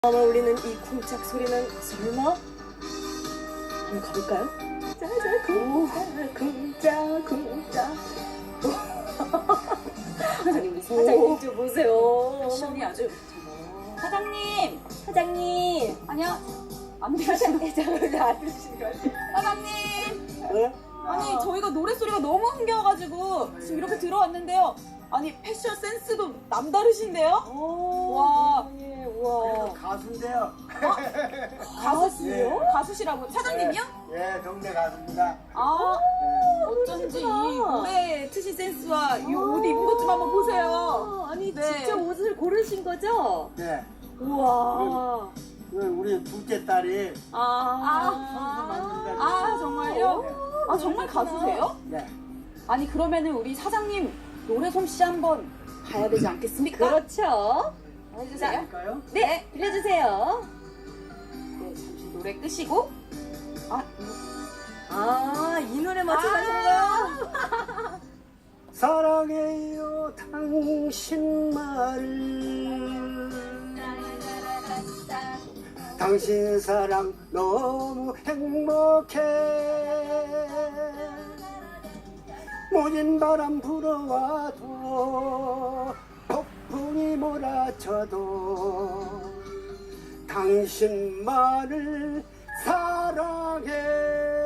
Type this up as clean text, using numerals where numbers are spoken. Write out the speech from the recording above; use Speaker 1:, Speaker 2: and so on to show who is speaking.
Speaker 1: 아마 울리는 이 쿵짝 소리는 설마? 한번 가볼까요? 짜자 쿵짝 쿵짝 아니 우리 사장님 좀 보세요.
Speaker 2: 패션이 아주 사장님
Speaker 1: 사장님
Speaker 2: 아니요 안
Speaker 1: 사장님
Speaker 2: 되시는
Speaker 1: 안 들으시는 것 같아요.
Speaker 2: 사장님
Speaker 1: 네?
Speaker 2: 아니 저희가 노래소리가 너무 흥겨워가지고 지금 이렇게 들어왔는데요. 아니 패션 센스도 남다르신데요? 와.
Speaker 1: 예, 와.
Speaker 3: 가수인데요.
Speaker 2: 가수시요?
Speaker 1: 예.
Speaker 2: 가수시라고 사장님이요?
Speaker 3: 예, 동네 가수입니다.
Speaker 2: 아
Speaker 3: 예.
Speaker 2: 어쩐지 이
Speaker 1: 그러시구나.
Speaker 2: 노래 트신 센스와 이 옷 입은 것 좀 한번 보세요.
Speaker 1: 아니
Speaker 2: 네.
Speaker 1: 직접 옷을 고르신 거죠?
Speaker 3: 네.
Speaker 1: 우와.
Speaker 3: 우리 둘째 딸이
Speaker 1: 아.
Speaker 3: 만든다.
Speaker 2: 아 정말요? 아 정말 가수세요?
Speaker 3: 네.
Speaker 2: 아니 그러면은 우리 사장님 노래 솜씨 한번 봐야 되지 않겠습니까?
Speaker 1: 그렇죠.
Speaker 2: 해주세요.
Speaker 3: 할까요?
Speaker 1: 네, 들려주세요.
Speaker 2: 네, 잠시 노래 끄시고
Speaker 1: 아, 이 노래 맞춰가신 거요?
Speaker 3: 사랑해요 당신만을 당신 사랑 너무 행복해 모진 바람 불어와도 폭풍이 몰아쳐도 당신만을 사랑해